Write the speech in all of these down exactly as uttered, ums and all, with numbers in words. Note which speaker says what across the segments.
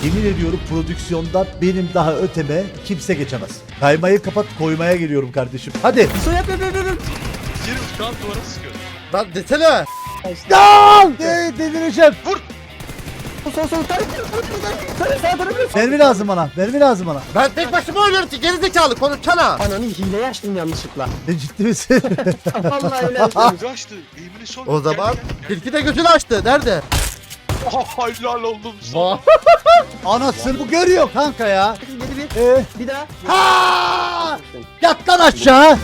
Speaker 1: Yemin ediyorum prodüksiyonda benim daha öteme kimse geçemez. Kaymayı kapat, koymaya geliyorum kardeşim. Hadi.
Speaker 2: Sol yap yap yap yap.
Speaker 3: Yerim şu an duvara sıkıyor.
Speaker 4: Lan desene.
Speaker 1: Dal! De delireceğim.
Speaker 3: Vur!
Speaker 2: Sol sol tarif. Tarif sağ tarif.
Speaker 1: Mermi lazım bana. Mermi lazım bana.
Speaker 4: Ben tek başıma oynuyorum ki gerizekalı konuşsana.
Speaker 2: Ananı hile açtım yanlışlıkla.
Speaker 1: Ne ciddi misin?
Speaker 2: Vallahi öyle yaptım.
Speaker 3: Gözü açtı. Eğimini son.
Speaker 4: O zaman
Speaker 3: Gel, gel, gel.
Speaker 4: tilki de gözünü açtı. Nerede?
Speaker 3: Oh, helal oldum sana.
Speaker 4: Vah.
Speaker 1: Anasını bu görüyor kanka ya.
Speaker 2: Geri bir.
Speaker 1: Ee,
Speaker 2: Bir daha.
Speaker 1: ha! Yat lan aşağı.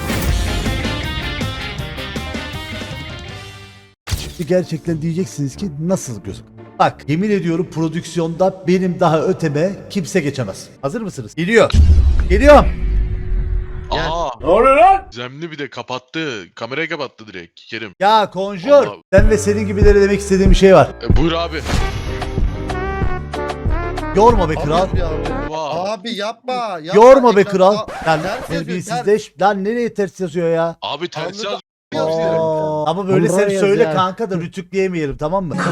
Speaker 1: Şimdi gerçekten diyeceksiniz ki nasıl gözük? Bak yemin ediyorum prodüksiyonda benim daha öteme kimse geçemez. Hazır mısınız? Geliyor. Geliyor.
Speaker 3: Aa. Ne oluyor lan? Zemli bir de kapattı. Kamerayı kapattı direkt Kerim.
Speaker 1: Ya Conjure.
Speaker 3: Allah.
Speaker 1: Ben ve senin gibilere demek istediğim bir şey var.
Speaker 3: E, buyur abi.
Speaker 1: Yorma be kral.
Speaker 4: Abi, abi.
Speaker 3: Vay.
Speaker 4: Abi yapma. yapma.
Speaker 1: Yorma be
Speaker 4: Ekran-
Speaker 1: kral.
Speaker 4: Aa,
Speaker 1: Lan
Speaker 4: ters yazıyor,
Speaker 1: terbiyesizleş. Lan nereye ters yazıyor ya?
Speaker 3: Abi ters
Speaker 4: Anladım.
Speaker 3: yaz.
Speaker 1: Aa, ama böyle sen
Speaker 2: Hamburger
Speaker 1: söyle
Speaker 2: ya.
Speaker 1: kanka da rütükleyemeyelim tamam mı?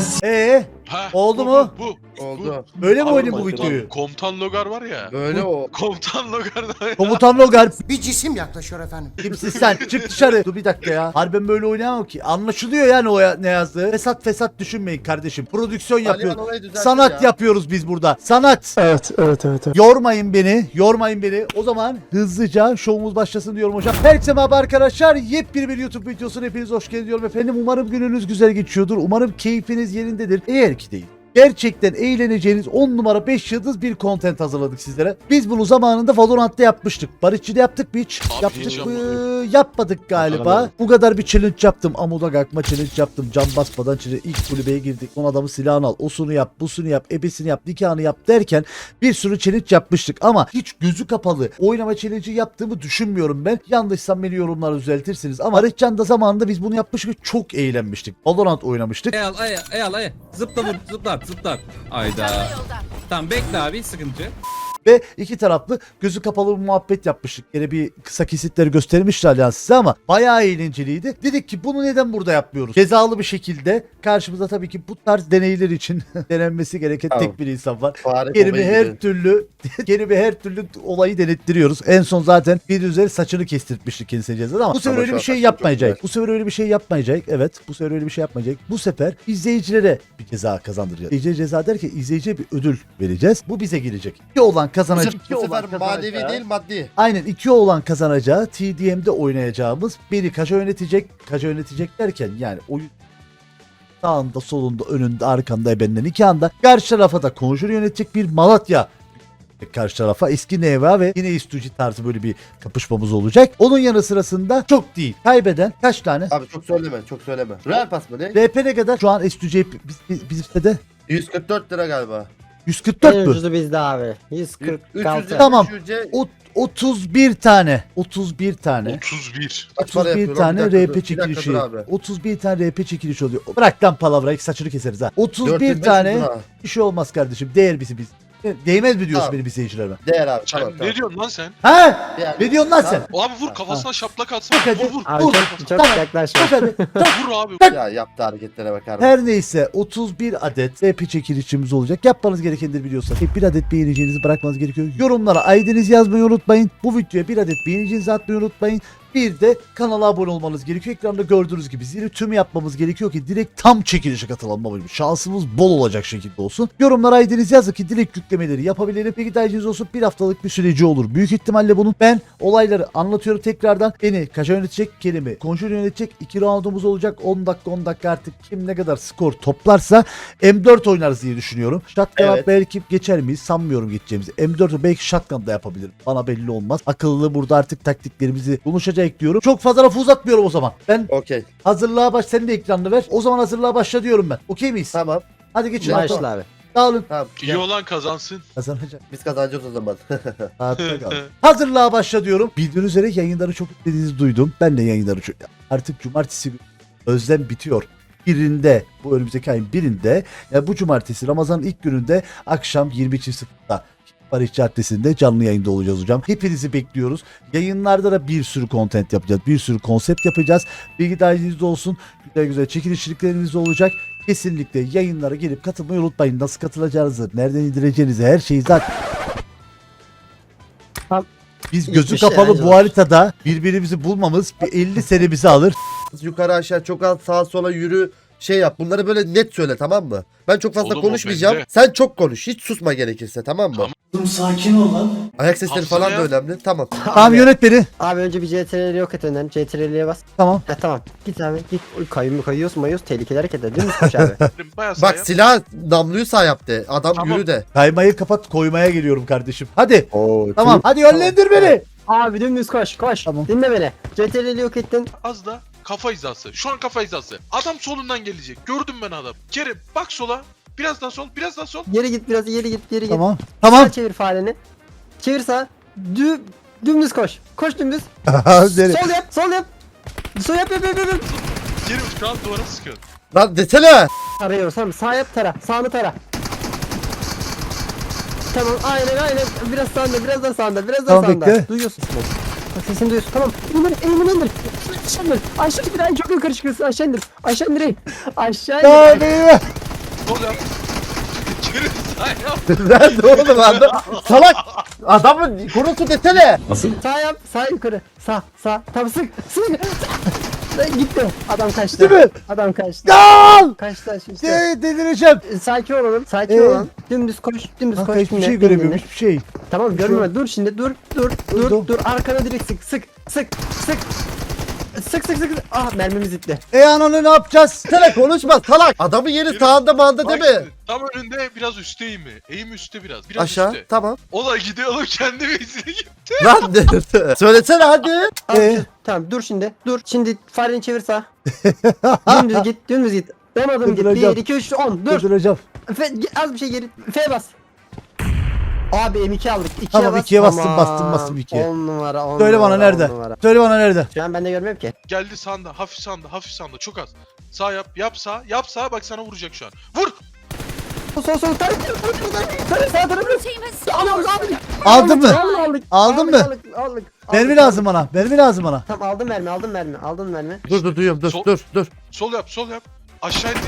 Speaker 1: Eee
Speaker 3: Ha,
Speaker 1: Oldu
Speaker 3: bu,
Speaker 1: mu?
Speaker 3: Bu. bu.
Speaker 4: Oldu.
Speaker 1: böyle mi
Speaker 3: Abi,
Speaker 1: oynayayım bu
Speaker 3: komutan-
Speaker 1: videoyu?
Speaker 3: Komutan Logar var ya.
Speaker 4: Böyle o.
Speaker 3: Komutan Logar'da.
Speaker 1: Komutan Logar
Speaker 5: Bir cisim yaklaşıyor efendim.
Speaker 1: kimsin sen? Çık dışarı. Dur bir dakika ya. Harbiden böyle oynayamam ki. Anlaşılıyor yani o ya, ne yazdığı. Fesat fesat düşünmeyin kardeşim. Prodüksiyon yapıyoruz.
Speaker 4: Alihan orayı düzeltir
Speaker 1: Sanat
Speaker 4: ya.
Speaker 1: yapıyoruz biz burada. Sanat.
Speaker 2: Evet evet evet. evet.
Speaker 1: Yormayın beni. Yormayın beni. O zaman hızlıca şovumuz başlasın diyorum hocam. Herkese merhaba arkadaşlar. Yepyeni bir YouTube videosuna hepiniz hoş geldiniz diyorum efendim. Umarım gününüz güzel geçiyordur. Umarım keyfiniz yerindedir. Eğer ki değil, gerçekten eğleneceğiniz on numara beş yıldız bir content hazırladık sizlere. Biz bunu zamanında Valorant'ta yapmıştık. Barışçı'da yaptık mı hiç?
Speaker 3: Abi
Speaker 1: Yaptık
Speaker 3: hiç
Speaker 1: mı?
Speaker 3: yapmadık.
Speaker 1: Yapmadık galiba.
Speaker 4: Hatırlamadım.
Speaker 1: Bu kadar bir challenge yaptım. Amuda kalkma challenge yaptım. Cam basmadan challenge. İlk kulübeye girdik. Son adamı silahını al. Osunu yap. Busunu yap. Ebesini yap. Nikahını yap derken bir sürü challenge yapmıştık. Ama hiç gözü kapalı oynama challenge'i yaptığımı düşünmüyorum ben. Yanlışsam beni yorumlara düzeltirsiniz. Ama Barışcan da zamanında biz bunu yapmıştık ve çok eğlenmiştik. Valorant oynamıştık.
Speaker 6: Eyal ay eyal ay zıpla vur zıplat zıplat. Ayda. Tamam bekle abi sıkıntı.
Speaker 1: Ve iki taraflı gözü kapalı bir muhabbet yapmıştık. Yine bir kısa kesitleri göstermişler yani size ama bayağı eğlenceliydi. Dedik ki bunu neden burada yapmıyoruz? Cezalı bir şekilde karşımıza tabii ki bu tarz deneyler için denenmesi gereken
Speaker 4: Tamam.
Speaker 1: tek bir insan var.
Speaker 4: Fare
Speaker 1: Kerime
Speaker 4: babayı
Speaker 1: her
Speaker 4: gibi.
Speaker 1: türlü Kerime her türlü olayı denettiriyoruz. En son zaten bir üzeri saçını kestirtmiştik kendisine cezada ama bu sefer
Speaker 4: Ama
Speaker 1: öyle
Speaker 4: şu
Speaker 1: bir
Speaker 4: an
Speaker 1: şey
Speaker 4: saçım çok
Speaker 1: yapmayacak.
Speaker 4: güzel.
Speaker 1: Bu sefer öyle bir şey yapmayacak. Evet, bu sefer öyle bir şey yapmayacak. Bu sefer izleyicilere bir ceza kazandıracağız. İzleyici ceza derken izleyiciye bir ödül vereceğiz. Bu bize gelecek. İki olan
Speaker 4: Bu
Speaker 1: kazanacak.
Speaker 4: sefer,
Speaker 1: iki
Speaker 4: bu
Speaker 1: olan
Speaker 4: sefer manevi
Speaker 1: kazanacağı-
Speaker 4: değil maddi.
Speaker 1: Aynen iki olan kazanacağı T D M'de oynayacağımız beni kaça yönetecek. Kaça yönetecek derken yani oyun sağında, solunda, önünde, arkanda, ebenden iki anda. Karşı tarafa da Conjure yönetecek bir Malatya karşı tarafa eski Neva ve yine İstuci tarzı böyle bir kapışmamız olacak. Onun yanı sırasında çok değil. Kaybeden kaç tane?
Speaker 4: Abi çok söyleme çok söyleme. Real pas mı ne?
Speaker 1: R P ne kadar? Şu an İstuci biz, biz, bizde de
Speaker 4: yüz kırk dört lira galiba.
Speaker 1: yüz kırk
Speaker 2: En
Speaker 1: dört mü?
Speaker 2: ucuzu bizde abi. yüz kırk altı.
Speaker 1: Tamam.
Speaker 4: üç yüze
Speaker 1: O, otuz bir tane. otuz bir tane.
Speaker 3: otuz bir.
Speaker 4: kaç para
Speaker 1: otuz bir
Speaker 4: yapıyor lan?
Speaker 1: tane
Speaker 4: Bir dakika
Speaker 1: R
Speaker 4: dur,
Speaker 1: P
Speaker 4: bir dakika
Speaker 1: çekilişi.
Speaker 4: dur abi.
Speaker 1: otuz bir tane R P çekilişi oluyor. Bırak lan palavrayı saçını keseriz ha. otuz
Speaker 4: dört bin beş
Speaker 1: bir
Speaker 4: yüz
Speaker 1: tane
Speaker 4: lira.
Speaker 1: bir şey olmaz kardeşim. Değer bizi biz. Değmez mi diyorsun
Speaker 4: Tamam.
Speaker 1: benim izleyicilerime?
Speaker 4: Değer abi
Speaker 3: Sen
Speaker 4: tamam
Speaker 3: ne
Speaker 4: tamam.
Speaker 3: diyorsun lan sen?
Speaker 1: Ha?
Speaker 4: Değer.
Speaker 1: Ne diyorsun lan sen?
Speaker 3: Abi vur kafasına şaplak atsana.
Speaker 1: Bak hadi.
Speaker 3: Vur vur.
Speaker 2: Abi
Speaker 1: Vur.
Speaker 2: çok, çok
Speaker 1: Tamam.
Speaker 2: yaklaşma.
Speaker 1: Bak hadi.
Speaker 3: Vur abi.
Speaker 4: Ya yaptığı hareketlere bakar mısın?
Speaker 1: Her neyse otuz bir adet R P çekilişimiz olacak. Yapmanız gerekenleri biliyorsanız hep bir adet beğeneceğinizi bırakmanız gerekiyor. Yorumlara I D'nizi yazmayı unutmayın. Bu videoya bir adet beğeneceğinizi atmayı unutmayın. Bir de kanala abone olmanız gerekiyor. Ekranda gördüğünüz gibi zili tüm yapmamız gerekiyor ki direkt tam çekilişe katılalım. Şansımız bol olacak şekilde olsun. Yorumlara I D'nizi yazın ki direkt yüklemeleri yapabilirim. Peki tercihiniz olsun, bir haftalık bir süreci olur. Büyük ihtimalle bunun ben olayları anlatıyorum tekrardan. Beni kaça yönetecek, Kerim'i Conjure yönetecek. iki roundumuz olacak. on dakika on dakika artık kim ne kadar skor toplarsa M dört oynarız diye düşünüyorum. Shotgun'a
Speaker 4: Evet.
Speaker 1: belki geçer miyiz? Sanmıyorum geçeceğimizi. M dört'ü belki Shotgun'da yapabilirim. Bana belli olmaz. Akıllı burada artık taktiklerimizi konuşacak diyorum. Çok fazla lafı uzatmıyorum o zaman. Ben
Speaker 4: Okey.
Speaker 1: hazırlığa baş, sen de ekranını ver. O zaman hazırlığa başla diyorum ben. Okey miyiz?
Speaker 4: Tamam.
Speaker 1: Hadi geçin.
Speaker 2: Başla abi.
Speaker 1: Dağılın.
Speaker 4: Tamam.
Speaker 3: İyi
Speaker 4: Gel.
Speaker 3: olan kazansın.
Speaker 1: Kazanacak.
Speaker 4: Biz kazanacağız o zaman.
Speaker 1: Hayatta kal. Hazırlığa başla diyorum. Bildiğiniz üzere yayınları çok istediğinizi duydum. Ben de yayınları çok... Artık cumartesi günü özlem bitiyor. Birinde, bu önümüzdeki ayın birinde, yani bu cumartesi Ramazan'ın ilk gününde akşam yirmi iki sıfırda Barış Caddesi'nde canlı yayında olacağız hocam. Hepinizi bekliyoruz. Yayınlarda da bir sürü content yapacağız. Bir sürü konsept yapacağız. Bilgi dahilinizde olsun. Güzel güzel çekilişliklerimiz de olacak. kesinlikle yayınlara gelip katılmayı unutmayın. Nasıl katılacağınızı, nereden indireceğinizi, her şeyi zaten.
Speaker 2: Tamam.
Speaker 1: Biz
Speaker 2: Hiçbir
Speaker 1: gözü
Speaker 2: şey
Speaker 1: kapalı bu
Speaker 2: ayrıca-
Speaker 1: haritada birbirimizi bulmamız bir elli senemizi alır.
Speaker 4: Yukarı aşağı çok az sağa sola yürü şey yap. Bunları böyle net söyle tamam mı? Ben çok fazla
Speaker 3: Oğlum, o
Speaker 4: konuşmayacağım.
Speaker 3: bende.
Speaker 4: Sen çok konuş. Hiç susma gerekirse tamam mı?
Speaker 3: Tamam.
Speaker 1: Sakin ol lan.
Speaker 4: Ayak sesleri
Speaker 3: Hafsana
Speaker 4: falan da
Speaker 3: ya.
Speaker 4: önemli. Tamam.
Speaker 1: Tamam
Speaker 2: Abi,
Speaker 1: yönet beni.
Speaker 2: abi önce bir C T R L'yi yok et önden. C T R L'ye bas.
Speaker 1: Tamam.
Speaker 2: Ha tamam. Git abi git. Oy, kayıyor mu kayıyorsun mayıyorsun. Tehlikeli hareketler. Dümdüz koş abi.
Speaker 3: Bayağı
Speaker 4: Bak
Speaker 3: sağ
Speaker 4: silah namluyu sağ yaptı. Adam
Speaker 3: Tamam.
Speaker 4: yürü de.
Speaker 1: Kaymayı kapat, koymaya geliyorum kardeşim. Hadi.
Speaker 2: Oo,
Speaker 1: Tamam. Hadi yönlendir beni.
Speaker 2: Abi dümdüz koş koş.
Speaker 1: Tamam.
Speaker 2: Dinle beni. C T R L'yi yok ettin.
Speaker 3: Az da kafa hizası. Şu an kafa hizası. Adam solundan gelecek. Gördüm ben adam. Kerim bak sola. Biraz daha sol. Biraz daha sol.
Speaker 2: Geri git biraz geri git geri git.
Speaker 1: Tamam. Tamam.
Speaker 2: Sağa çevir fareni. Çevir sağa. Dü dümdüz koş. Koş dümdüz.
Speaker 1: Nereye?
Speaker 2: Sol yap sol yap. Sol yap yap yap yap.
Speaker 3: Kerim şu an duvara sıkıyor.
Speaker 4: Lan desene.
Speaker 2: Tarıyoruz tamam. Sağ yap tara. Sağını tara. Tamam aynen aynen. Biraz sağında biraz daha sağında biraz daha
Speaker 1: Tamam,
Speaker 2: sağında.
Speaker 1: bekle.
Speaker 2: Duyuyorsun. Bak sesini duyuyorsun. Tamam. İndir eğimin indir. Aşağı indir. Aşağı indir. Ay, çok yukarı çıkıyorsun. Aşağı indir. Aşağı indir. eğil. Aşağı indir.
Speaker 1: Hadi.
Speaker 3: Sol yap. Kerim sağ yap.
Speaker 4: Nerede oğlum adam? Salak. Adamın konusu desene.
Speaker 2: Sağ yap. Sağ yukarı. Sağ sağ. Tamam sık. Sık. Lan gitti. Adam kaçtı.
Speaker 1: Değil mi?
Speaker 2: Adam kaçtı.
Speaker 1: Gol!
Speaker 2: Kaçtı şimdi.
Speaker 1: De delireceğim.
Speaker 2: Sakin olalım. Sakin
Speaker 1: Ee?
Speaker 2: olalım. Dümdüz koş. Dümdüz
Speaker 1: Kanka
Speaker 2: koş.
Speaker 1: hiçbir
Speaker 2: dinle,
Speaker 1: şey
Speaker 2: dinle,
Speaker 1: göremiyorum,
Speaker 2: dinle.
Speaker 1: hiçbir şey.
Speaker 2: Tamam görmüyorum. Dur şimdi. Dur. Dur. Dur.
Speaker 1: Dur.
Speaker 2: Dur. Arkana direkt sık. Sık. Sık. Sık. Sık sık sık. sık. Ah mermimiz gitti.
Speaker 1: E ananı ne yapacağız?
Speaker 4: Sana konuşma salak. Adamın yeri sağında mağında değil
Speaker 3: Bak
Speaker 4: mi?
Speaker 3: şimdi, tam önünde biraz üstte eğimi. Eğim üstte biraz. Biraz
Speaker 4: Aşağı
Speaker 3: üstte.
Speaker 4: tamam.
Speaker 3: O da gidiyor oğlum kendi bezine gitti.
Speaker 4: Lan de- söylesene hadi.
Speaker 2: Al,
Speaker 1: Ee?
Speaker 2: şu- Tamam dur şimdi. Dur. Şimdi fareni çevir sağ. dümdüz git. Dümdüz git. on adım git.
Speaker 1: Durduracağım.
Speaker 2: bir, iki, üç, on. Dur.
Speaker 1: Durduracağım.
Speaker 2: F, az bir şey geri. F bas. Abi M iki aldık. ikiye
Speaker 1: Tamam,
Speaker 2: bas.
Speaker 1: ikiye bastım,
Speaker 2: Tamam.
Speaker 1: bastım, bastım ikiye.
Speaker 2: on numara on
Speaker 1: Söyle
Speaker 2: numara,
Speaker 1: bana nerede?
Speaker 2: on numara.
Speaker 1: Söyle bana nerede?
Speaker 2: Şu an ben de görmüyorum ki.
Speaker 3: Geldi sağında. Hafif sağında. Hafif sağında. Çok az. Sağ yap. Yap sağ. Yap sağ. Bak sana vuracak şu an. Vur.
Speaker 2: Sol sol sol. Tarif tarif sağ tarafı. Alıyoruz abi.
Speaker 1: Aldın mı?
Speaker 2: Aldık.
Speaker 1: Aldın
Speaker 2: Aldık,
Speaker 1: mı?
Speaker 2: Aldık. Aldık.
Speaker 1: Mermi
Speaker 2: aldık,
Speaker 1: lazım bana. Mermi lazım bana.
Speaker 2: Tamam aldım mermi aldım mermi aldım mermi.
Speaker 4: Dur dur duyuyorum dur
Speaker 3: Sol-
Speaker 4: dur dur.
Speaker 3: Sol yap. Sol yap. Aşağı indir.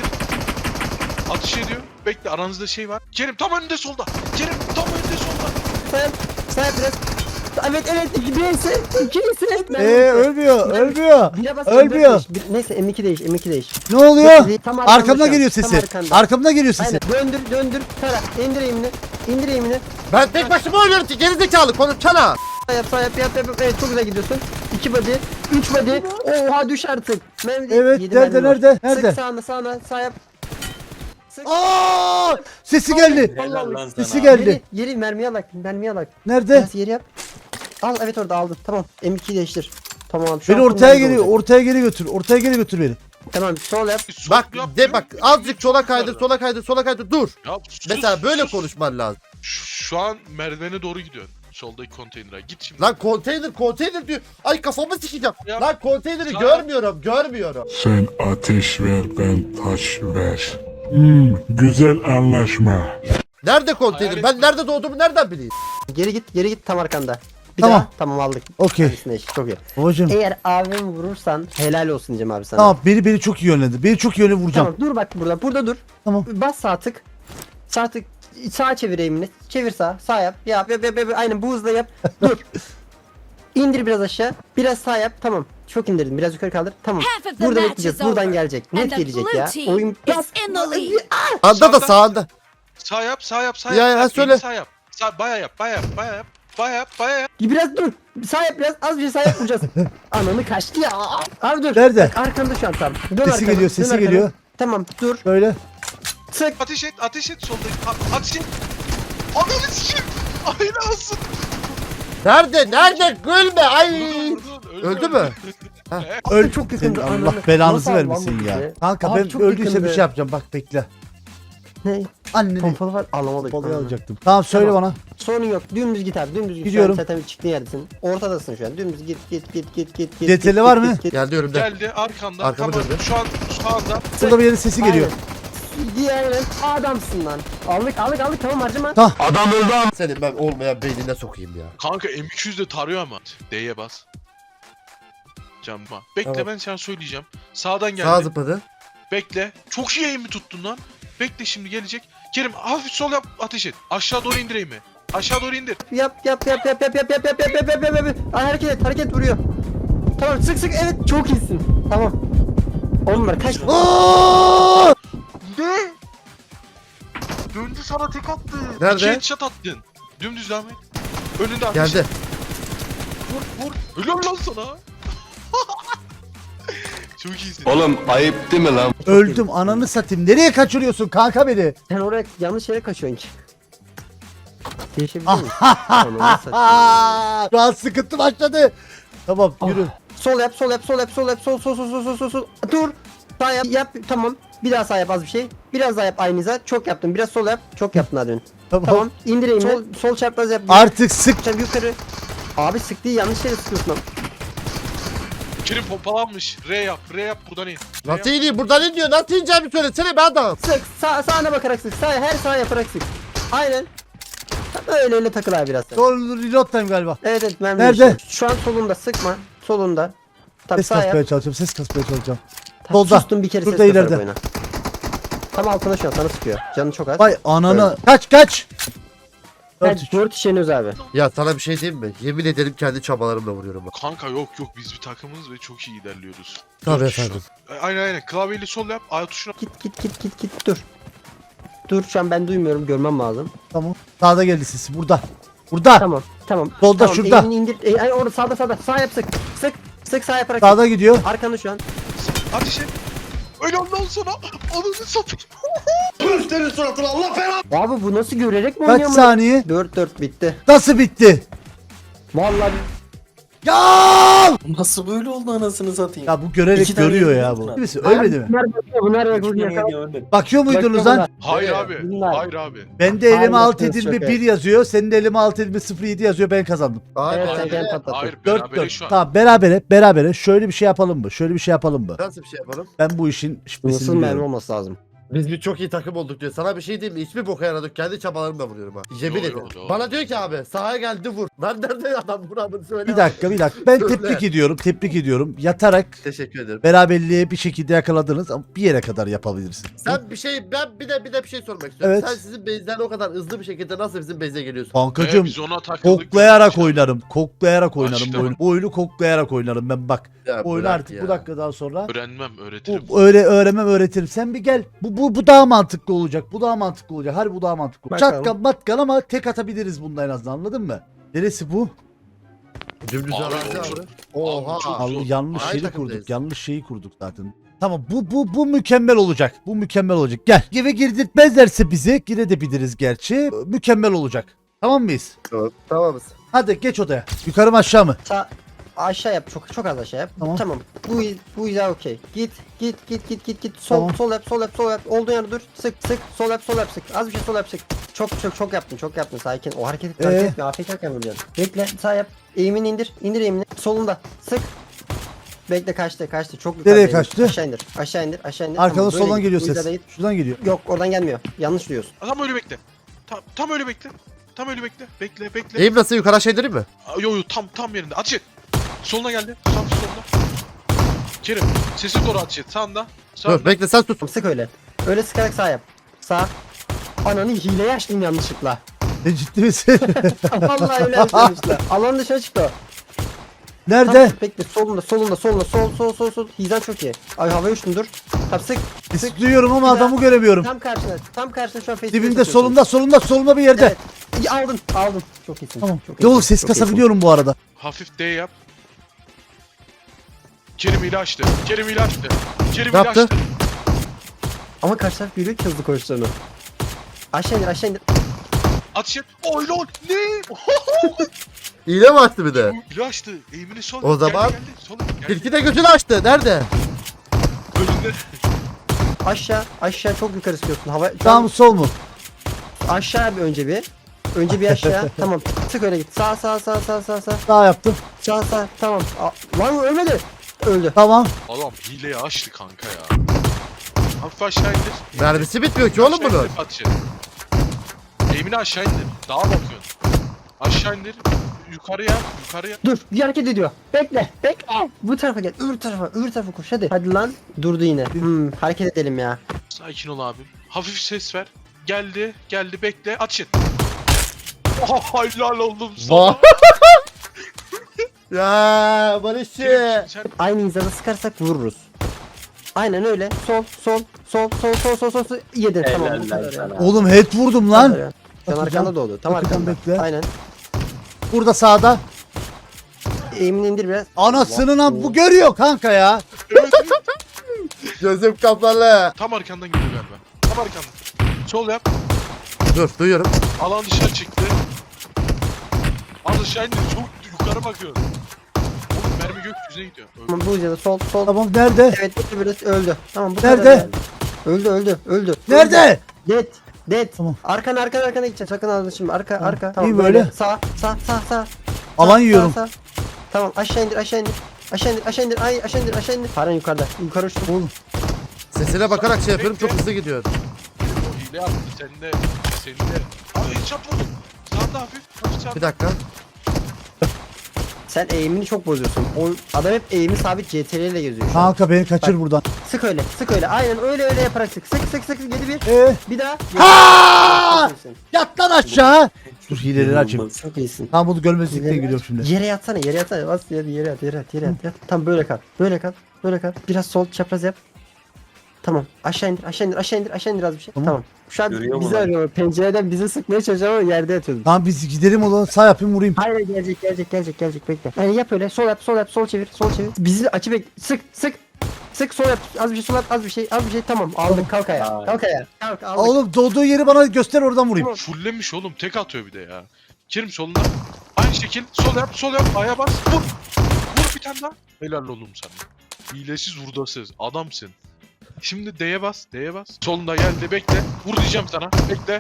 Speaker 3: Atış ediyor. Bekle aranızda şey var. Kerim tam önünde solda. Kerim tam önünde solda.
Speaker 2: Sağ yap. Sağ yap biraz. Evet evet iki birisi ikisi.
Speaker 1: Eee ölmüyor. Ölmüyor.
Speaker 2: Bire bas,
Speaker 1: Ölmüyor.
Speaker 2: dört beş. Bir- Neyse M iki değiş M iki değiş.
Speaker 1: Ne oluyor?
Speaker 2: Tam arkanda
Speaker 1: Arkamdan
Speaker 2: şu an,
Speaker 1: geliyor
Speaker 2: tam
Speaker 1: sesi.
Speaker 2: arkanda.
Speaker 1: Arkamdan geliyor sesi.
Speaker 2: Aynen döndür döndür tara indir eğimini indir eğimini
Speaker 4: Ben tek başıma oynuyorum ki gerizekalı konuşsana.
Speaker 2: sağ yap sağ yap yap yap evet çok güzel gidiyorsun iki body üç body oha düş artık Mermi değil,
Speaker 1: Evet,
Speaker 2: yedi
Speaker 1: nerede,
Speaker 2: mermi var.
Speaker 1: nerede, nerede?
Speaker 2: Sık sağına sağına sağ yap sık
Speaker 1: Aa! Sesi geldi.
Speaker 2: Allah Allah.
Speaker 1: Sesi geldi.
Speaker 2: Yeri, yeri mermiye alak mermiye alak
Speaker 1: Nerede?
Speaker 2: biraz yeri yap al evet orada aldın tamam M ikiyi değiştir tamam şu
Speaker 1: Beni
Speaker 2: an
Speaker 1: ortaya
Speaker 2: nerede
Speaker 1: geri,
Speaker 2: olacak?
Speaker 1: ortaya geri götür. Ortaya geri götür beni.
Speaker 2: Tamam sol yap
Speaker 3: Sol
Speaker 4: Bak
Speaker 3: yap,
Speaker 4: de
Speaker 3: diyorum.
Speaker 4: bak azıcık sola kaydır sola kaydır sola kaydır dur.
Speaker 3: Ya, sus,
Speaker 4: Mesela böyle
Speaker 3: sus.
Speaker 4: konuşman lazım.
Speaker 3: Şu, şu an merdivene doğru gidiyor. Soldaki konteynere. Git şimdi.
Speaker 4: Lan konteyner konteyner diyor. Ay kafamı sikeceğim.
Speaker 3: Ya.
Speaker 4: Lan konteyneri
Speaker 3: Sağ-
Speaker 4: görmüyorum görmüyorum.
Speaker 5: Sen ateş ver, ben taş ver. Hmm, güzel anlaşma.
Speaker 4: Nerede konteyner?
Speaker 3: Hayal
Speaker 4: Ben
Speaker 3: etme.
Speaker 4: nerede doğduğumu nereden bileyim?
Speaker 2: geri git geri git tam arkanda bir
Speaker 1: Tamam.
Speaker 2: daha tamam aldık
Speaker 1: Okey.
Speaker 2: Neredesin eş? Çok iyi
Speaker 1: Babacım.
Speaker 2: eğer abim vurursan helal olsun Cem abi sana
Speaker 1: Tamam, beni beni çok iyi yönlendir. Beni çok iyi yöne vuracağım.
Speaker 2: Tamam dur bak burada. Burada dur.
Speaker 1: Tamam.
Speaker 2: Bas sağ tık. Sağ tık. Sağa çevir eğimini. Çevir sağ. Sağ yap. Yap yap yap. yap. Aynen bu hızla yap. Dur. İndir biraz aşağı. Biraz sağ yap. Tamam. Çok indirdim. Biraz yukarı kaldır. Tamam.
Speaker 7: Half of the
Speaker 2: Burada
Speaker 7: match
Speaker 2: bekleyeceğiz.
Speaker 7: is
Speaker 2: Buradan
Speaker 7: over.
Speaker 2: gelecek.
Speaker 7: And
Speaker 2: Net
Speaker 7: the
Speaker 2: gelecek
Speaker 7: blue
Speaker 2: ya.
Speaker 7: team
Speaker 2: Oyun
Speaker 7: is
Speaker 2: Bas.
Speaker 7: in the lead.
Speaker 4: Anda da
Speaker 3: Sağda.
Speaker 4: sağında.
Speaker 3: Sağ yap, sağ yap, sağ
Speaker 4: Ya,
Speaker 3: yap.
Speaker 4: ya,
Speaker 3: Sağ-
Speaker 4: söyle.
Speaker 3: Sağ yap. Sağ, baya yap, baya yap, baya yap. Baya yap, baya yap.
Speaker 2: Biraz dur. Sağ yap biraz. Az bir şey sağ yap vuracağız. Ananı kaçtı ya. Abi dur.
Speaker 1: Nerede?
Speaker 2: Bak, arkanda şu an tam. Dön
Speaker 1: Sesi
Speaker 2: arkana,
Speaker 1: geliyor,
Speaker 2: dön
Speaker 1: sesi
Speaker 2: arkana.
Speaker 1: geliyor.
Speaker 2: Tamam dur.
Speaker 1: Böyle.
Speaker 2: Sık.
Speaker 3: Ateş et, ateş et soldaki. A- ateş et. Ananı sikeyim. Aynen olsun.
Speaker 4: Nerede? Nerede? Gülme. Ay.
Speaker 3: Vurdun, vurdun.
Speaker 4: Öldü mü?
Speaker 1: Öl.
Speaker 2: Çok
Speaker 1: Senin
Speaker 2: yakındı.
Speaker 1: Allah
Speaker 2: ananı.
Speaker 1: belanızı
Speaker 2: Nasıl aldı lan
Speaker 1: vermesin
Speaker 2: bu
Speaker 1: ya.
Speaker 2: bizi?
Speaker 1: Kanka
Speaker 2: Abi
Speaker 1: ben
Speaker 2: çok
Speaker 1: öldüyse bir
Speaker 2: yakındı.
Speaker 1: şey yapacağım. Bak bekle.
Speaker 2: Ne?
Speaker 1: Anneni
Speaker 2: Pompalı var alamadık.
Speaker 1: balığı
Speaker 2: Ananı.
Speaker 1: alacaktım. Tamam söyle
Speaker 2: Tamam.
Speaker 1: bana.
Speaker 2: Sorun yok. Dümdüz git abi. Dümdüz git.
Speaker 1: Gidiyorum.
Speaker 2: Şu an zaten çıktığın yerdesin. Ortadasın şu an. Dümdüz git git git git git git.
Speaker 1: C T L
Speaker 2: git,
Speaker 1: var
Speaker 2: git,
Speaker 1: mı?
Speaker 2: git, git.
Speaker 4: Geldi önümde.
Speaker 3: Geldi arkanda.
Speaker 4: Arkamı
Speaker 3: Tamam,
Speaker 4: döndü.
Speaker 3: şu an şu anda.
Speaker 1: Burada bir yerin sesi geliyor.
Speaker 2: Aynen. Diğerinin adamsın lan. Aldık aldık aldık tamam harcama.
Speaker 1: Tamam.
Speaker 4: Senin ben olmayan beynine sokayım ya.
Speaker 3: Kanka M iki yüz de tarıyor ama. D'ye bas. Canma. Bekle
Speaker 4: Tamam.
Speaker 3: ben sana söyleyeceğim. Sağdan geldi.
Speaker 4: Sağ zıpladı.
Speaker 3: Bekle. Çok iyi aim mi tuttun lan? Bekle şimdi gelecek. Kerim hafif sol yap ateş et. Aşağı doğru indir aim'i. Aşağı doğru indir.
Speaker 2: Yap yap yap yap yap yap yap yap yap yap yap yap yap. Ay, hareket et hareket vuruyor. Tamam sık sık evet çok iyisin. Tamam. On numara kaç.
Speaker 1: Aa!
Speaker 3: Ne? Döndü sana tek attı.
Speaker 4: Nerede?
Speaker 3: İki headshot attın. Dümdüz devam et. Önünde ateş
Speaker 4: Geldi.
Speaker 3: et. Vur vur. Helal lan sana. Çok iyisin.
Speaker 7: Oğlum ayıp değil mi lan?
Speaker 1: Öldüm ananı satayım. Nereye kaçırıyorsun kanka beni?
Speaker 2: Sen oraya yanlış yere kaçıyorsun ki. Değişebiliyor musun? Ananı satayım.
Speaker 1: Aa, şu an sıkıntı başladı. Tamam yürü.
Speaker 2: Sol yap, sol yap, sol yap, sol yap, sol sol sol sol sol sol sol. Dur. Sağ yap, yap. Tamam. Bir daha sağ yap az bir şey. Biraz daha yap aynı hizat. Çok yaptın. Biraz sol yap. Çok yaptın hadi.
Speaker 1: Tamam.
Speaker 2: Tamam. İndireyim. Sol, sol çapraz yap.
Speaker 1: Artık sık.
Speaker 2: Sen yukarı. Abi sık değil yanlış yere sıkıyorsun lan.
Speaker 3: Kerim pompalanmış. R yap. R yap buradan in. R
Speaker 4: Nasıl
Speaker 3: yap.
Speaker 4: ineyim? Buradan in diyor. Nasıl ineceğimi söylesene be adam.
Speaker 2: Sık. Sağ, sağına bakarak sık. Sağ, her sağa yaparak sık. Aynen. Öyle öyle takıl abi biraz sen.
Speaker 1: Sol reload time galiba.
Speaker 2: Evet evet ben
Speaker 1: Nerede?
Speaker 2: değişiyorum. Şu an solunda sıkma. Solunda. Tabii
Speaker 1: Ses
Speaker 2: sağ yap.
Speaker 1: kasmaya çalışacağım. Ses kasmaya çalışacağım.
Speaker 2: Tamam,
Speaker 1: Solda.
Speaker 2: Sustum bir kere
Speaker 1: Şurada
Speaker 2: ses kasarak
Speaker 1: ileride.
Speaker 2: oyna. Tam altına şu an sana sıkıyor. Canı çok az.
Speaker 1: Vay ananı. Kaç kaç.
Speaker 2: Ben
Speaker 1: Dört üç.
Speaker 2: dört işeniyoruz abi.
Speaker 4: Ya sana bir şey diyeyim mi? Yemin ederim kendi çabalarımla vuruyorum bak.
Speaker 3: Kanka yok yok biz bir takımız ve çok iyi ilerliyoruz.
Speaker 4: Tabii
Speaker 3: Dört kişi
Speaker 4: efendim.
Speaker 3: şu an. Aynen aynen. Klavyeyle sol yap. A tuşuna.
Speaker 2: Git git git git git dur. Dur şu an ben duymuyorum görmem lazım.
Speaker 1: Tamam. Sağda geldi sesi. Burada. Burada.
Speaker 2: Tamam tamam.
Speaker 1: Solda,
Speaker 2: tamam,
Speaker 1: şurada.
Speaker 2: elini indir. E, ay, orada sağda sağda. Sağ yap sık. Sık. Sık sağ yaparak.
Speaker 1: Sağda gidiyor.
Speaker 2: Arkanı şu an.
Speaker 3: Ateş et. Öyle ondan sonra. Ananı satayım.
Speaker 2: Abi bu nasıl görerek mi
Speaker 1: Kaç
Speaker 2: oynuyor mu?
Speaker 1: saniye?
Speaker 2: dört dört bitti.
Speaker 1: Nasıl bitti?
Speaker 2: Vallahi
Speaker 1: Ya!
Speaker 8: Nasıl böyle oldu anasını satayım?
Speaker 1: Ya bu görerek
Speaker 8: İki tane
Speaker 1: görüyor ya
Speaker 8: yedin
Speaker 1: bu.
Speaker 8: mi?
Speaker 1: Birisi ölmedi mi?
Speaker 2: bunlar bakıyor bunlar
Speaker 8: Hiç
Speaker 2: bakıyor.
Speaker 8: yemeğini ölmedi.
Speaker 1: Bakıyor muydunuz lan?
Speaker 3: Hayır
Speaker 4: Nereye?
Speaker 3: abi.
Speaker 2: Bunlar.
Speaker 3: Hayır abi.
Speaker 1: Ben de elime
Speaker 2: Aynen,
Speaker 1: alt
Speaker 2: evet,
Speaker 1: edilme
Speaker 2: çok
Speaker 1: bir yazıyor. Senin de elime alt edilme sıfır yedi yazıyor. Ben kazandım.
Speaker 4: Aynen.
Speaker 2: Evet sen
Speaker 3: Hayır,
Speaker 2: gel patlattın.
Speaker 3: Hayır
Speaker 1: dört
Speaker 3: berabere
Speaker 1: dört.
Speaker 3: şu an.
Speaker 1: Tamam berabere berabere. Şöyle bir şey yapalım mı? Şöyle bir şey yapalım mı?
Speaker 4: Nasıl bir şey yapalım?
Speaker 1: Ben bu işin şifresini
Speaker 2: Nasıl mermi
Speaker 1: biliyorum.
Speaker 2: olması lazım.
Speaker 4: Biz bir çok iyi takım olduk diyor. Sana bir şey diyeyim mi? Hiçbir boka yaradık. Kendi çabalarımla vuruyorum ha. Yemin
Speaker 3: Yo, yo,
Speaker 4: ederim.
Speaker 3: yo.
Speaker 4: Bana diyor ki abi sahaya geldi vur. Lan nerede adam vuramını söyle.
Speaker 1: Bir dakika bir dakika. Ben
Speaker 4: Söyle.
Speaker 1: tebrik ediyorum. Tebrik ediyorum. Yatarak
Speaker 4: Teşekkür ederim.
Speaker 1: beraberliğe bir şekilde yakaladınız ama bir yere kadar yapabilirsin.
Speaker 4: Sen bir şey ben bir de bir de bir şey sormak istiyorum.
Speaker 1: Evet.
Speaker 4: Sen sizin base'den o kadar hızlı bir şekilde nasıl bizim base'e geliyorsun?
Speaker 3: Ee,
Speaker 1: Kankacım
Speaker 3: biz ona takıldık.
Speaker 1: koklayarak
Speaker 3: İşte.
Speaker 1: oynarım. Koklayarak oynarım
Speaker 3: İşte
Speaker 1: bu oyunu. Bu oyunu koklayarak oynarım ben bak.
Speaker 4: Ya
Speaker 1: Bu oyunu
Speaker 4: bırak
Speaker 1: artık
Speaker 4: ya.
Speaker 1: bu dakikadan sonra
Speaker 3: Öğrenmem öğretirim.
Speaker 1: bu öyle öğrenmem öğretirim. Sen bir gel. Bu bu bu daha mantıklı olacak. Bu daha mantıklı olacak. Harbi bu daha mantıklı.
Speaker 2: Bakalım.
Speaker 1: Çatkan matkan ama tek atabiliriz bunda en azından anladın mı? Neresi bu?
Speaker 4: Dümdüz
Speaker 3: Abi,
Speaker 4: arazi
Speaker 3: çok-
Speaker 4: abi. Oha.
Speaker 3: Abi, çok-
Speaker 1: Abi
Speaker 3: Zor.
Speaker 1: yanlış
Speaker 4: Aynı
Speaker 1: şeyi
Speaker 4: takımdayız.
Speaker 1: kurduk. Yanlış şeyi kurduk zaten. Tamam bu bu bu mükemmel olacak. Bu mükemmel olacak. Gel. Eve girdirtmezlerse bizi girebiliriz gerçi. Mükemmel olacak. Tamam mıyız?
Speaker 4: Tamam. Tamamız.
Speaker 1: Hadi geç odaya. Yukarı mı aşağı mı?
Speaker 2: Sağ aşağı yap çok çok az aşağı yap.
Speaker 1: Tamam.
Speaker 2: Tamam. Bu bu güzel okey. Git git git git git git. Sol
Speaker 1: Tamam.
Speaker 2: sol yap sol yap sol yap. Olduğun yerde dur. Sık sık sol yap sol yap sık. Az bir şey sol yap sık. Çok çok çok yaptın çok yaptın sakin. O hareketi
Speaker 1: Ee?
Speaker 2: hareket etme. A F K'ken vuruyorsun. Bekle sağ yap. Eğimini indir. İndir eğimini. Solunda. Sık. Bekle kaçtı kaçtı. Çok
Speaker 1: Nereye
Speaker 2: yukarıdaydı.
Speaker 1: kaçtı?
Speaker 2: Aşağı indir. Aşağı indir. Aşağı indir.
Speaker 1: Arkadan
Speaker 2: Tamam, böyle
Speaker 1: soldan
Speaker 2: git.
Speaker 1: geliyor
Speaker 2: Bu
Speaker 1: ses.
Speaker 2: hizada git.
Speaker 1: Şuradan geliyor.
Speaker 2: Yok oradan gelmiyor. Yanlış duyuyorsun.
Speaker 3: Tam öyle bekle. Tam, tam öyle bekle. Tam öyle bekle. Bekle bekle.
Speaker 4: Eğim nasıl yukarı aşağı indireyim mi?
Speaker 3: Aa, Yo yo tam tam yerinde. Ateş et. Soluna geldi. Tam soluna. Kerim sesi doğru ateş et. Sağında. Sağında.
Speaker 4: Dur bekle sen tut.
Speaker 2: Tamam, sık öyle. Öyle sıkarak sağ yap. Sağ. Ananı hileye açtım yanlışlıkla.
Speaker 1: E, ciddi misin?
Speaker 2: Vallahi öyle yapmışlar. Alan dışına çıktı o.
Speaker 1: Nerede?
Speaker 2: Tam, bekle solunda solunda solunda sol sol sol sol. Hizan çok iyi. Ay havaya uçtun dur. Tam sık.
Speaker 1: Biz duyuyorum ama
Speaker 2: Bir daha.
Speaker 1: adamı göremiyorum.
Speaker 2: Tam karşına. Tam karşına şu an face to face
Speaker 1: Dibinde
Speaker 2: atıyorsun.
Speaker 1: solunda solunda solunda bir yerde.
Speaker 2: Evet. İyi, aldın aldın. Çok iyisin.
Speaker 1: Tamam.
Speaker 2: Çok
Speaker 1: Ya oğlum
Speaker 2: iyisin,
Speaker 1: ses
Speaker 2: çok iyisin.
Speaker 1: kasabiliyorum bu arada.
Speaker 3: Hafif D yap. Kerim ile açtı. Kerim ile açtı. Kerim
Speaker 4: Ne
Speaker 3: ile
Speaker 4: yaptı?
Speaker 3: açtı.
Speaker 2: Ama karşı taraf görüyor ki hızlı koştuğunu. Aşağı indir aşağı indir.
Speaker 3: Ateş et. Oy lol. Ne?
Speaker 4: İğne mi açtı bir de?
Speaker 3: İle açtı. Eğimini sol.
Speaker 4: O zaman-
Speaker 3: Geldi, geldi. Sol. Geldi.
Speaker 4: Tilki de gözünü açtı. Nerede?
Speaker 3: Önünde.
Speaker 2: Aşağı aşağı çok yukarı istiyorsun. Hava şu
Speaker 1: Sağ
Speaker 2: an
Speaker 1: mı sol mu?
Speaker 2: aşağı bir önce bir. Önce bir aşağı. Tamam. Sık öyle git. Sağ sağ sağ sağ sağ sağ.
Speaker 1: Sağ yaptım.
Speaker 2: Sağ sağ. Tamam. Aa, lan ölmedi. Öldü.
Speaker 1: Tamam.
Speaker 3: Adam hileyi açtı kanka ya. Hafif aşağı indir.
Speaker 4: Mermisi bitmiyor ki oğlum
Speaker 3: Aşağı
Speaker 4: bunun.
Speaker 3: indir, ateş et. Eğimini aşağı indir. Dağa bakıyorsun. Aşağı indir. yukarıya, yukarıya.
Speaker 2: Dur bir hareket ediyor. Bekle bekle. Bu tarafa gel. Öbür tarafa öbür tarafa koş hadi. Hadi lan. Durdu yine. Hmm, hareket edelim ya.
Speaker 3: Sakin ol abim. Hafif ses ver. Geldi, geldi bekle. Atış et. Oh, helal oldum sana.
Speaker 4: Va- Ya Barışçı.
Speaker 3: Kerim, sen
Speaker 2: Aynı hizada sıkarsak vururuz. Aynen öyle. Sol sol sol sol sol sol sol. sol. Yedin tamam bu kadar ya.
Speaker 1: Oğlum head vurdum
Speaker 2: Bu kadar
Speaker 1: lan.
Speaker 2: ya. Sen
Speaker 1: Bakacağım.
Speaker 2: arkanda doğdu. Tam
Speaker 1: Bakacağım,
Speaker 2: arkanda.
Speaker 1: bekle.
Speaker 2: Aynen.
Speaker 1: Burada sağda.
Speaker 2: Eğimini indir biraz.
Speaker 1: Anasının am bu görüyor kanka ya.
Speaker 3: evet, evet.
Speaker 4: Gözüm kapalı.
Speaker 3: Tam arkandan geliyor galiba. Tam arkandan. Sol yap.
Speaker 4: Dur duyuyorum.
Speaker 3: Alan dışarı çıktı. Az aşağı indi. Çok yukarı bakıyor. Oğlum mermi gökyüzüne gidiyor. Öyle.
Speaker 2: Tamam bu hizada sol sol.
Speaker 1: Tamam nerede?
Speaker 2: Evet öldü biraz öldü. Tamam bu
Speaker 1: Nerede?
Speaker 2: kadar yani. Öldü öldü öldü.
Speaker 1: Nerede?
Speaker 2: Dead. Dead.
Speaker 1: Tamam.
Speaker 2: Arkana arkana arkana gideceksin. Sakın ağzını şimdi. Arka arka. Tamam
Speaker 1: İyi
Speaker 2: böyle.
Speaker 1: böyle.
Speaker 2: Sağ sağ sağ sağ.
Speaker 1: Alan
Speaker 2: Sağ,
Speaker 1: yiyorum.
Speaker 2: sağ, sağ. Tamam aşağı indir aşağı indir. Aşağı indir aşağı indir. Ay aşağı indir aşağı indir. Paran yukarıda. Yukarı uçtu.
Speaker 1: Oğlum.
Speaker 4: Sesine bakarak şey yapıyorum, çok hızlı gidiyor.
Speaker 3: O hile yaptı. Sen de. Senin de. Abi hiç yapmadın. Sağda hafif. Hafif sağda.
Speaker 4: Bir dakika.
Speaker 2: Sen eğimini çok bozuyorsun. O adam hep eğimi sabit C T R ile geziyor şu an.
Speaker 1: Kanka beni kaçır buradan.
Speaker 2: Sık öyle sık öyle. Aynen öyle öyle yaparak sık. Sık sık sık. Yedi bir.
Speaker 1: Ee,
Speaker 2: Bir daha.
Speaker 1: Ha!
Speaker 2: Çok iyisin.
Speaker 1: yat lan aşağı. Dur hileleri açayım.
Speaker 2: Çok iyisin.
Speaker 1: Tamam bunu görmezlikten geliyorum şimdi.
Speaker 2: Yere yatsana yere yatsana. Bas yere yere yat yere yat yere yat. yat. Tam böyle kal. Böyle kal. Böyle kal. Biraz sol çapraz yap. Tamam. Aşağı indir aşağı indir aşağı indir aşağı indir az bir şey.
Speaker 1: Tamam.
Speaker 2: Tamam. Şu an
Speaker 8: Görüyor
Speaker 2: bizi
Speaker 8: mu lan?
Speaker 2: arıyor. Pencereden bizi sıkmaya çalışıyor ama yerde yatıyordum.
Speaker 1: Tamam biz gidelim o zaman sağ yapayım vurayım.
Speaker 2: Hayır gelecek gelecek gelecek gelecek bekle. Yani yap öyle sol yap sol yap sol çevir sol çevir. Bizi açı bek sık sık. Sık sol yap az bir şey sol yap az bir şey az bir şey tamam aldık kalk ayağa kalk ayağa kalk aldık.
Speaker 1: Oğlum doğduğu yeri bana göster oradan vurayım.
Speaker 3: Fullemiş oğlum. Tek atıyor bir de ya. Kerim solunda. Aynı şekil. Sol yap. Sol yap. Aya bas. Vur. Vur bir tane daha. Helal oğlum sana. Hilesiz vurdasız. Adamsın. Şimdi D'ye bas. D'ye bas. Solunda geldi. Bekle. Vur diyeceğim sana. Bekle.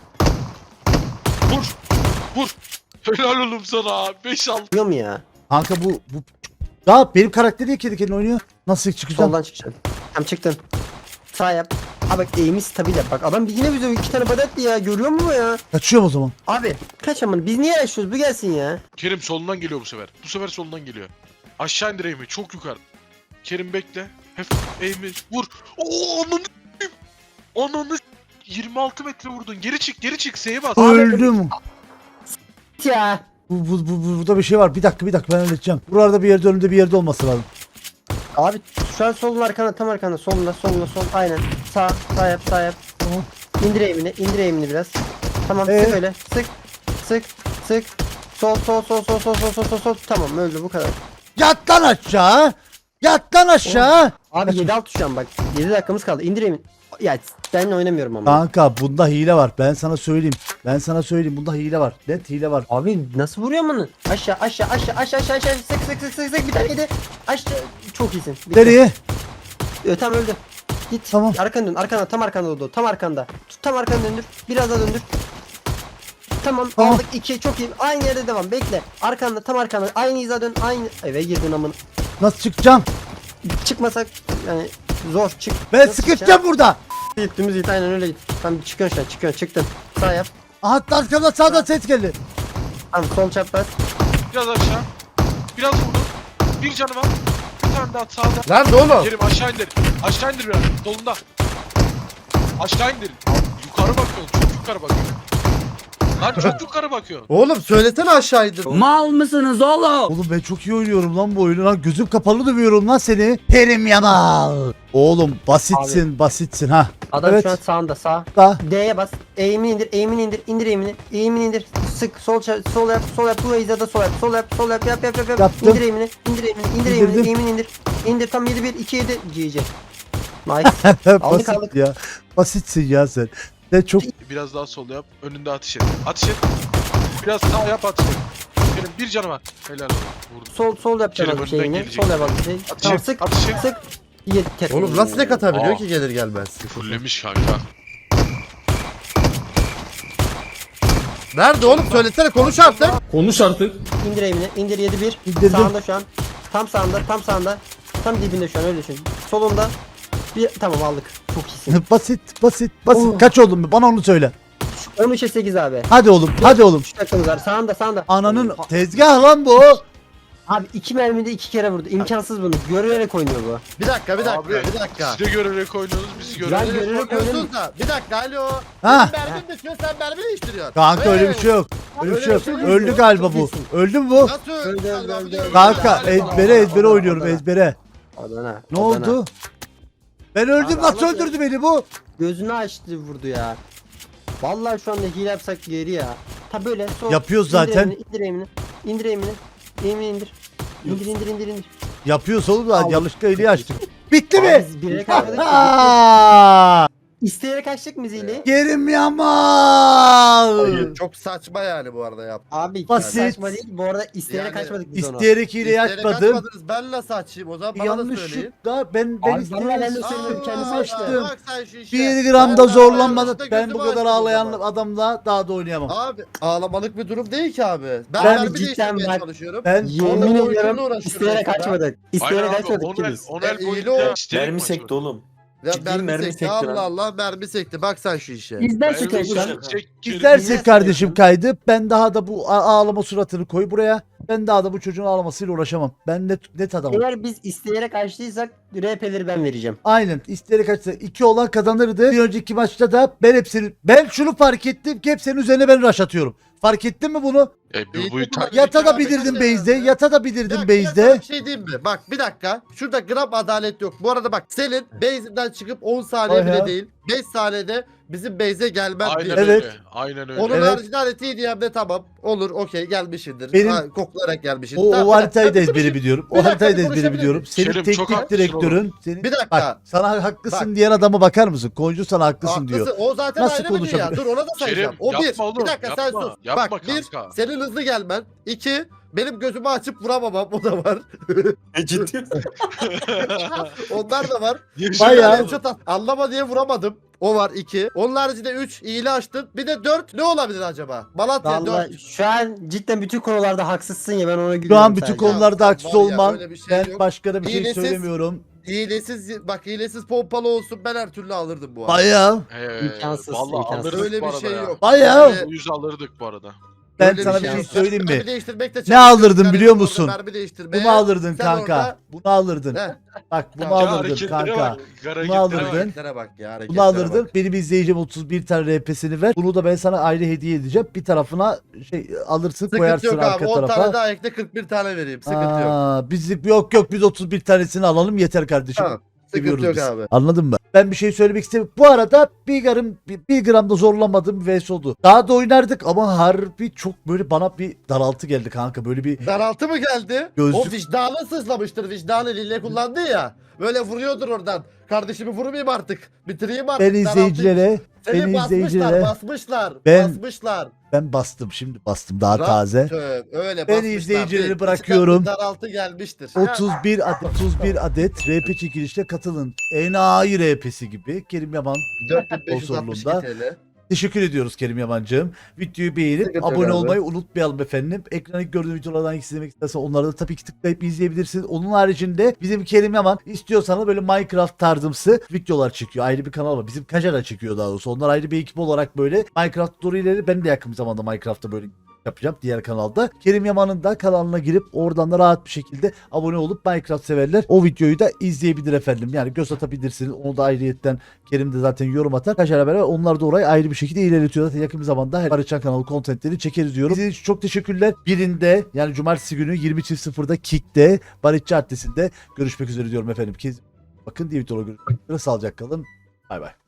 Speaker 3: Vur. Vur. Helal oğlum sana. beş altı.
Speaker 2: Biliyor mu ya?
Speaker 1: Kanka bu bu ya benim karakter niye kedi kendine oynuyor? Nasıl çıkacağım?
Speaker 2: Soldan çıkacaksın. Tamam çıktın. Sağ yap. Abi bak eğimi stabil yap. Bak adam yine bize iki tane badetti ya. Görüyor musun bu ya?
Speaker 1: Kaçıyorum o zaman.
Speaker 2: Abi kaç aman biz niye yaşıyoruz? Bu gelsin ya.
Speaker 3: Kerim solundan geliyor bu sefer. Bu sefer solundan geliyor. Aşağı indir eğimi. Çok yukarı. Kerim bekle. Hep eğimi. Vur. Oo ananı s**eyim. Ananı s**eyim. yirmi altı metre vurdun. Geri çık. Geri çık. S'ye bas.
Speaker 1: Öldüm.
Speaker 2: Ya.
Speaker 1: Bu, bu, bu, bu- burada bir şey var. Bir dakika bir dakika ben halledeceğim. Buralarda bir yerde önümde bir yerde olması lazım.
Speaker 2: Abi şu an solun arkana tam arkana solunda solunda sol aynen. Sağ sağ yap sağ yap.
Speaker 1: Tamam.
Speaker 2: İndir eğimini indir eğimini biraz. Tamam
Speaker 1: Ee?
Speaker 2: sık öyle sık sık sık. Sol sol sol sol sol sol sol sol sol. Tamam öldü bu kadar.
Speaker 1: Yat lan aşağı. Yat lan aşağı.
Speaker 2: Abi yedi altı şu an bak. yedi dakikamız kaldı. İndir eğimini. Ya ben oynamıyorum ama.
Speaker 1: Kanka bunda hile var. Ben sana söyleyeyim. Ben sana söyleyeyim. Bunda hile var. Net hile var.
Speaker 2: Abi nasıl vuruyor bunu? Aşağı aşağı aşağı aşağı aşağı aşağı sık sık sık sık sık bir tane yedi. Aşağı çok iyisin. Bitti.
Speaker 1: Nereye?
Speaker 2: Ö, tam öldü. Git.
Speaker 1: Tamam.
Speaker 2: Arkana dön. Arkana tam arkanda oldu. Tam arkanda. Tut, tam arkana döndür. Biraz daha döndür. Tamam,
Speaker 1: Tamam.
Speaker 2: aldık iki çok iyi. Aynı yerde devam. Bekle. Arkanda tam arkanda. Aynı hiza dön. Aynı eve girdin amın.
Speaker 1: Nasıl çıkacağım?
Speaker 2: Çıkmasak yani zor çık.
Speaker 1: Ben
Speaker 2: Nasıl
Speaker 1: sıkışacağım burada.
Speaker 2: çıkacaksın? Git dümdüz git aynen öyle git. Tamam çıkıyorsun şu an çıkıyorsun çıktın. Sağ yap.
Speaker 1: Aha arkamda sağdan ses geldi.
Speaker 2: Tamam sol çapraz.
Speaker 3: Biraz aşağı. Biraz vurdun. Bir canı var. Bir tane daha sağda.
Speaker 4: Nerede oğlum?
Speaker 3: Kerim aşağı indir. Aşağı indir biraz. Solunda. Aşağı indir. Yukarı bakıyorsun. Çok yukarı bakıyorsun. Lan çok yukarı bakıyorsun.
Speaker 4: Oğlum söylesene aşağıydı.
Speaker 6: Mal mısınız oğlum?
Speaker 1: Oğlum ben çok iyi oynuyorum lan bu oyunu lan. Gözüm kapalı dövüyorum lan seni. Kerim Yamal. Oğlum basitsin basitsin ha.
Speaker 2: Adam
Speaker 1: Evet.
Speaker 2: şu an sağında sağ.
Speaker 1: Da.
Speaker 2: D'ye bas. Eğimini indir, eğimini indir, indir eğimini. Eğimini indir. Sık sol ça- sol yap, sol yap. Bu hizada sol yap, sol yap, sol yap, yap yap yap yap.
Speaker 1: Yaptım.
Speaker 2: İndir eğimini, indir eğimini, indir eğimini,
Speaker 1: İndirdim.
Speaker 2: eğimini indir. İndir tam yedi bir iki yedi G G. Nice.
Speaker 1: Basit
Speaker 2: aldık.
Speaker 1: ya. Basitsin ya sen. Sen çok
Speaker 3: Biraz daha sol yap. Önünde ateş et. Ateş et. Biraz sağ yap ateş et. Kerim bir canı var. Helal olsun. Vurdum.
Speaker 2: Sol sol yapacağım
Speaker 3: Kerim
Speaker 2: az bir
Speaker 3: önden
Speaker 2: şeyini.
Speaker 3: gelecek.
Speaker 2: Sol yap az bir şey.
Speaker 3: Ateş
Speaker 2: Tamam
Speaker 3: et,
Speaker 2: sık,
Speaker 3: ateş et.
Speaker 2: sık. Yedi tek.
Speaker 4: Oğlum nasıl tek atabiliyor
Speaker 3: Aa.
Speaker 4: ki gelir gelmez?
Speaker 3: Fullemiş kanka.
Speaker 4: Nerede oğlum söylesene konuş artık.
Speaker 6: Konuş artık.
Speaker 2: İndir eğimini, indir yedi bir.
Speaker 1: İndirdim.
Speaker 2: Sağında şu an. Tam sağında, tam sağında. Tam dibinde şu an öyle düşün. Solunda. Bir tamam aldık. Çok iyisin.
Speaker 1: basit basit basit.
Speaker 2: Oh.
Speaker 1: Kaç oldun mu? Bana onu söyle.
Speaker 2: on üçe sekiz abi.
Speaker 1: Hadi oğlum hadi oğlum.
Speaker 2: üç dakikamız var. Sağında sağında.
Speaker 1: Ananın tezgah lan bu.
Speaker 2: Abi iki mermide iki kere vurdu. İmkansız bunu. Görülerek oynuyor bu.
Speaker 4: Bir dakika bir dakika
Speaker 3: Abi,
Speaker 4: bir dakika.
Speaker 3: Siz de görerek oynuyorsunuz bizi
Speaker 2: Ben
Speaker 3: görerek.
Speaker 2: görerek
Speaker 4: Korkuyorsunuz
Speaker 2: oynadım.
Speaker 4: da. Bir dakika alo.
Speaker 1: Ha.
Speaker 4: Benim mermim bitiyor sen mermi değiştiriyorsun.
Speaker 1: Kanka öyle bir
Speaker 4: Hey!
Speaker 1: şey yok. Öyle bir şey yok.
Speaker 4: Öyle bir şey
Speaker 1: Öldü
Speaker 4: yok.
Speaker 1: galiba bu. Öldü mü bu?
Speaker 4: Nasıl
Speaker 2: Öldü, öldü, öldü.
Speaker 1: Kanka ezbere ezbere oynuyorum ezbere.
Speaker 2: Adana.
Speaker 1: Ne
Speaker 2: Adana.
Speaker 1: oldu? Ben öldüm
Speaker 2: Abi,
Speaker 1: nasıl
Speaker 2: ama-
Speaker 1: öldürdü beni bu?
Speaker 2: Gözünü açtı vurdu ya. Vallahi şu anda hile yapsak geri ya. Ta böyle sol.
Speaker 1: Yapıyoruz
Speaker 2: İndir
Speaker 1: zaten.
Speaker 2: Eğimini, indir eğimini. İndir eğimini. Eğimini indir. İndir indir indir indir.
Speaker 1: Yapıyoruz oğlum da
Speaker 2: Al.
Speaker 1: yanlışlıkla eli açtık. Bitti
Speaker 2: Abi
Speaker 1: mi?
Speaker 2: biz birine kaçmadık.
Speaker 1: Aa!
Speaker 2: İsteyerek açtık mı zili?
Speaker 1: Kerim Yaman.
Speaker 4: Hayır, çok saçma yani bu arada yap.
Speaker 2: Abi çok
Speaker 1: Basit.
Speaker 2: saçma değil. Bu arada isteyerek
Speaker 4: Yani
Speaker 2: kaçmadık biz onu.
Speaker 1: İsteyerek hileyi
Speaker 4: İsteyerek
Speaker 1: açmadım.
Speaker 4: açmadınız, ben nasıl açayım o zaman bana da söyleyin.
Speaker 1: Yanlışlıkla ben ben
Speaker 2: Abi,
Speaker 1: isteyerek
Speaker 2: bana ben de söyledim, kendisi
Speaker 4: Aa,
Speaker 1: açtım.
Speaker 4: bak sen şu işe.
Speaker 1: Bir gram da
Speaker 4: Ben-
Speaker 1: zorlanmadım.
Speaker 4: ben
Speaker 1: Ben bu
Speaker 4: gözümü
Speaker 1: kadar
Speaker 4: açtım o
Speaker 1: ağlayan
Speaker 4: zaman.
Speaker 1: adamla daha da oynayamam.
Speaker 4: Abi ağlamalık bir durum değil ki abi. Ben,
Speaker 1: Ben
Speaker 4: mermi
Speaker 2: cidden
Speaker 4: değiştirmeye
Speaker 2: bak-
Speaker 4: çalışıyorum.
Speaker 1: Ben
Speaker 2: Yemin
Speaker 4: Onunla
Speaker 2: ediyorum
Speaker 4: oyunculuğla uğraşıyorum
Speaker 2: isteyerek
Speaker 4: mesela.
Speaker 2: açmadık. İsteyerek
Speaker 3: Aynen abi,
Speaker 2: açmadık
Speaker 3: Onel,
Speaker 2: ki biz.
Speaker 3: Onel
Speaker 4: Ya,
Speaker 3: koydu
Speaker 4: iyi o.
Speaker 3: ya. isteyerek
Speaker 8: Mermi
Speaker 3: mi
Speaker 8: sekti
Speaker 3: açmadın?
Speaker 8: oğlum.
Speaker 4: Ya
Speaker 8: Ciddi
Speaker 4: mermi,
Speaker 8: mermi
Speaker 4: sekti.
Speaker 8: sekti
Speaker 4: Allah
Speaker 8: lan.
Speaker 4: Allah mermi sekti. Bak sen şu işe.
Speaker 2: Bizden
Speaker 3: Ben
Speaker 2: şikayet
Speaker 3: öyle
Speaker 2: lan.
Speaker 3: bir şey- Kerim-
Speaker 1: İstersin
Speaker 2: Yine
Speaker 1: kardeşim
Speaker 2: söylüyorum.
Speaker 1: kaydı. Ben daha da bu a- ağlama suratını koy buraya. Ben daha da bu çocuğun ağlamasıyla uğraşamam. Ben net, net adamım.
Speaker 2: Eğer biz isteyerek açtıysak R P'leri ben vereceğim.
Speaker 1: Aynen. İsteyerek açsa iki olan kazanırdı. Bir önceki maçta da ben hepsini ben şunu fark ettim ki hepsinin üzerine ben rush atıyorum. Fark ettin mi bunu?
Speaker 3: E, bu, bu, ta-
Speaker 1: Yata da
Speaker 4: abi,
Speaker 1: bilirdim
Speaker 4: ben de-
Speaker 1: base'de. Yata da bilirdim
Speaker 4: Ya, bir dakika,
Speaker 1: base'de.
Speaker 4: bir şey diyeyim mi? Bak bir dakika. Şurada gram adalet yok. Bu arada bak senin base'inden çıkıp on saniye
Speaker 1: Ay
Speaker 4: bile
Speaker 1: ya.
Speaker 4: değil. beş saniyede bizim base'e gelmen
Speaker 3: Aynen
Speaker 4: bir.
Speaker 1: Evet.
Speaker 3: öyle. Aynen öyle.
Speaker 4: Onun
Speaker 1: Evet.
Speaker 4: haricinde harita D M'de tamam. Olur okey gelmişindir.
Speaker 1: Benim-
Speaker 4: Ha, koklayarak gelmişsin.
Speaker 1: O,
Speaker 4: Tamam,
Speaker 1: o
Speaker 4: bir
Speaker 1: haritayı da
Speaker 4: dakika,
Speaker 1: ezbere biliyorum.
Speaker 4: Bir
Speaker 1: O
Speaker 4: dakika,
Speaker 1: haritayı
Speaker 4: bir
Speaker 1: da ezbere
Speaker 4: konuşabilir
Speaker 1: biliyorum.
Speaker 4: miyim?
Speaker 1: Senin
Speaker 3: Kerim, çok
Speaker 1: teknik
Speaker 3: haklısın
Speaker 1: direktörün. Senin,
Speaker 4: Bir dakika.
Speaker 1: Bak sana haklısın
Speaker 4: Bak.
Speaker 1: diyen adama bakar mısın? Koncu sana haklısın diyor.
Speaker 4: Haklısın. O zaten
Speaker 1: Nasıl
Speaker 4: ayrı bir dünya.
Speaker 1: konuşabilir?
Speaker 4: Dur ona da sayacağım.
Speaker 3: Kerim,
Speaker 4: O bir.
Speaker 3: yapma oğlum,
Speaker 4: Bir dakika sen
Speaker 3: yapma.
Speaker 4: sus.
Speaker 3: Yapma
Speaker 4: Bak bir
Speaker 3: kanka.
Speaker 4: senin hızlı gelmen. İki benim gözümü açıp vuramamam o da var.
Speaker 8: E, ciddi misin?
Speaker 4: Onlar da var.
Speaker 1: Bayağı.
Speaker 4: Headshot at- Anlama diye vuramadım. O var iki. Onun haricinde üç iyili açtın. Bir de dört ne olabilir acaba? Malatya dört.
Speaker 2: Vallahi şu an cidden bütün konularda haksızsın ya ben ona gülüyorum.
Speaker 1: Şu an bütün
Speaker 2: sadece.
Speaker 1: konularda
Speaker 4: Ya,
Speaker 1: haksız
Speaker 4: var ya,
Speaker 1: olman.
Speaker 4: öyle bir şey
Speaker 1: Ben
Speaker 4: yok.
Speaker 1: başka da bir şey
Speaker 4: İğnesiz-
Speaker 1: söylemiyorum.
Speaker 4: Hilesiz bak hilesiz pompalı olsun ben her türlü alırdım bu arada.
Speaker 1: Bayağı.
Speaker 3: Ee,
Speaker 2: İmkansız,
Speaker 3: Vallahi
Speaker 2: imkansız.
Speaker 3: alırdık
Speaker 4: Öyle
Speaker 3: bu
Speaker 4: bir
Speaker 3: arada
Speaker 4: şey
Speaker 3: ya.
Speaker 4: yok.
Speaker 1: Bayağı.
Speaker 4: Yani
Speaker 3: Uyuz alırdık bu arada.
Speaker 1: Ben
Speaker 4: öyle
Speaker 1: sana
Speaker 4: bir
Speaker 1: bir
Speaker 4: şey
Speaker 1: şey
Speaker 4: yok.
Speaker 1: söyleyeyim mi?
Speaker 4: Mermi değiştirmek de
Speaker 1: Ne
Speaker 4: çalışıyorum.
Speaker 1: alırdın
Speaker 4: Yani
Speaker 1: biliyor
Speaker 4: orada
Speaker 1: musun?
Speaker 4: Mermi değiştirmeye.
Speaker 1: Bunu alırdın
Speaker 4: sen
Speaker 1: kanka.
Speaker 4: orada-
Speaker 1: Bunu alırdın.
Speaker 4: Heh.
Speaker 1: Bak bunu
Speaker 4: Ya,
Speaker 3: Ya
Speaker 1: alırdın
Speaker 3: hareketlere
Speaker 1: kanka.
Speaker 3: bak.
Speaker 1: Bunu
Speaker 3: Hareketlere
Speaker 1: alırdın.
Speaker 3: bak.
Speaker 4: Hareketlere bak ya hareketlere
Speaker 1: Bunu alırdın.
Speaker 4: bak.
Speaker 1: Benim izleyicim otuz bir tane R P'sini ver. Bunu da ben sana ayrı hediye edeceğim. Bir tarafına şey alırsın
Speaker 4: Sıkıntı
Speaker 1: koyarsın
Speaker 4: yok abi.
Speaker 1: arka
Speaker 4: on tane
Speaker 1: tarafa.
Speaker 4: daha ekle kırk bir tane vereyim. Sıkıntı yok.
Speaker 1: Aa, biz yok yok biz otuz bir tanesini alalım yeter kardeşim.
Speaker 4: Tamam. Sıkıntı
Speaker 1: Seviyoruz
Speaker 4: yok
Speaker 1: biz.
Speaker 4: abi.
Speaker 1: Anladın mı? Ben bir şey söylemek istemiyorum. Bu arada bir gram, bir, bir gram da zorlamadığım bir vs oldu. Daha da oynardık ama harbi çok böyle bana bir daraltı geldi kanka. Böyle bir
Speaker 4: Daraltı mı geldi?
Speaker 1: Gözlük-
Speaker 4: O vicdanı sızlamıştır. Vicdanı lille kullandı ya. Böyle vuruyordur oradan. Kardeşimi vurmayayım artık. Bitireyim artık.
Speaker 1: ben
Speaker 4: daraltı-
Speaker 1: izleyicilere
Speaker 4: Seni
Speaker 1: ben
Speaker 4: basmışlar,
Speaker 1: izleyicilere
Speaker 4: basmışlar.
Speaker 1: Ben-
Speaker 4: basmışlar.
Speaker 1: ben bastım şimdi bastım daha
Speaker 4: Rahat
Speaker 1: taze.
Speaker 4: söv, öyle
Speaker 1: Ben
Speaker 4: basmışlar.
Speaker 1: izleyicileri
Speaker 4: Bir-
Speaker 1: bırakıyorum.
Speaker 4: içinden bir daraltı gelmiştir.
Speaker 1: otuz bir adet otuz bir adet R P çekilişte katılın. Enayi R P'si gibi. Kerim Yaman
Speaker 4: dört bin beş yüz altmış iki
Speaker 1: Sponsorluğunda.
Speaker 4: T L.
Speaker 1: teşekkür ediyoruz Kerim Yaman'cığım. Videoyu beğenip
Speaker 4: Sıkıntı yok
Speaker 1: abone
Speaker 4: abi.
Speaker 1: olmayı unutmayalım efendim. Ekrana ilk gördüğünüz videolardan hangisi izlemek istersen onları da tabii ki tıklayıp izleyebilirsiniz. Onun haricinde bizim Kerim Yaman istiyorsanız böyle Minecraft tarzımsı videolar çekiyor. Ayrı bir kanal var. Bizim Kajara çekiyor daha doğrusu. Onlar ayrı bir ekip olarak böyle Minecraft tutorialleri ben de yakın bir zamanda Minecraft'ta böyle yapacağım diğer kanalda. Kerim Yaman'ın da kanalına girip oradan da rahat bir şekilde abone olup Minecraft severler o videoyu da izleyebilir efendim. Yani göz atabilirsiniz. Onu da ayrıyetten Kerim de zaten yorum atar. Kaçarla beraber onlar da orayı ayrı bir şekilde ilerletiyor. Zaten yakın bir zamanda her Barışcan kanalı kontentleri çekeriz diyorum. İzlediğiniz için çok teşekkürler. Birinde yani cumartesi günü yirmi sıfırda Kick'te Barışçı Adresi'nde görüşmek üzere diyorum efendim. Kez bakın diye videoda görüşmek üzere. Sağlıcakla kalın. Bay bay.